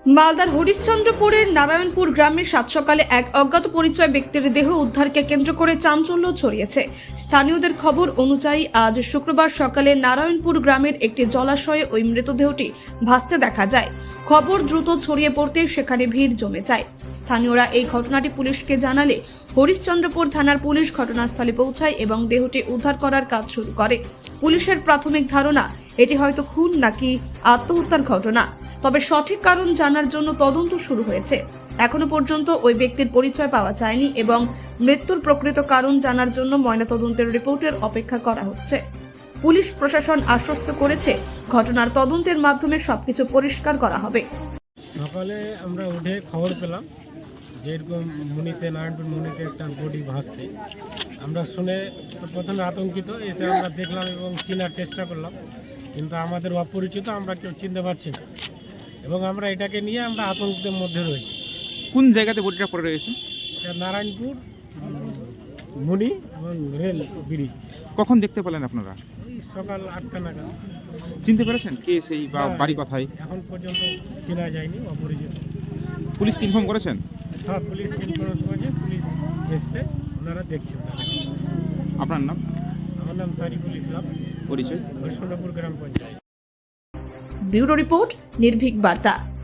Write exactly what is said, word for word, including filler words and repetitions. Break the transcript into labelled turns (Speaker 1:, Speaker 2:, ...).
Speaker 1: মালদার হরিশ্চন্দ্রপুরের নারায়ণপুর গ্রামের সাত সকালে এক অজ্ঞাত পরিচয় ব্যক্তির দেহ উদ্ধারকে কেন্দ্র করে চাঞ্চল্য ছড়িয়েছে। স্থানীয়দের খবর অনুযায়ী আজ শুক্রবার সকালে নারায়ণপুর গ্রামের একটি জলাশয়ে ওই মৃতদেহটি ভাসতে দেখা যায়। খবর দ্রুত ছড়িয়ে পড়তে সেখানে ভিড় জমে যায়। স্থানীয়রা এই ঘটনাটি পুলিশকে জানালে হরিশ্চন্দ্রপুর থানার পুলিশ ঘটনাস্থলে পৌঁছায় এবং দেহটি উদ্ধার করার কাজ শুরু করে। পুলিশের প্রাথমিক ধারণা এটি হয়তো খুন নাকি আত্মহত্যার ঘটনা, তবে সঠিক কারণ জানার জন্য তদন্ত শুরু হয়েছে। এখনো পর্যন্ত ওই ব্যক্তির পরিচয় পাওয়া যায়নি এবং মৃত্যুর প্রকৃত কারণ জানার জন্য ময়নাতদন্তের রিপোর্টের অপেক্ষা করা হচ্ছে। পুলিশ প্রশাসন আশ্বস্ত করেছে ঘটনার তদন্তের মাধ্যমে সবকিছু পরিষ্কার করা হবে।
Speaker 2: সকালে আমরা উঠে খবর পেলাম যে এরকম মুনিতে নারায়ণপুর মুনিতে একটা বডি ভাসছে। আমরা শুনে তো প্রথমে আতঙ্কিত, এসে আমরা দেখলাম এবং চেনার চেষ্টা করলাম, কিন্তু আমাদের অপরিচিত, আমরা কেউ চিনতে পারছি না এবং আমরা এটাকে নিয়ে আমরা আতঙ্কের মধ্যে রয়েছি।
Speaker 3: কোন জায়গাতে বডিটা পড়ে রয়েছে?
Speaker 2: এটা নারায়ণপুর মুনি এবং রেল ব্রিজ।
Speaker 3: কখন দেখতে পেলেন আপনারা?
Speaker 2: এই সকাল আটটা নাগাদ।
Speaker 3: চিনতে পেরেছেন কে সেই বা বাড়ি কোথায়?
Speaker 2: এখন পর্যন্ত চেনা যায়নি, অপরিচিত।
Speaker 3: পুলিশ ইনফর্ম করেছেন?
Speaker 2: হ্যাঁ, পুলিশ ইনফরমেশন করেছে, পুলিশ এসছে, ওনারা দেখছেন।
Speaker 3: আপনার নাম?
Speaker 2: আমার নাম তারিকুল ইসলাম,
Speaker 3: পরিচয়?
Speaker 2: হরিশ্চন্দ্রপুর গ্রাম পঞ্চায়েত।
Speaker 1: ব্যুরো রিপোর্ট, নির্ভীক বার্তা।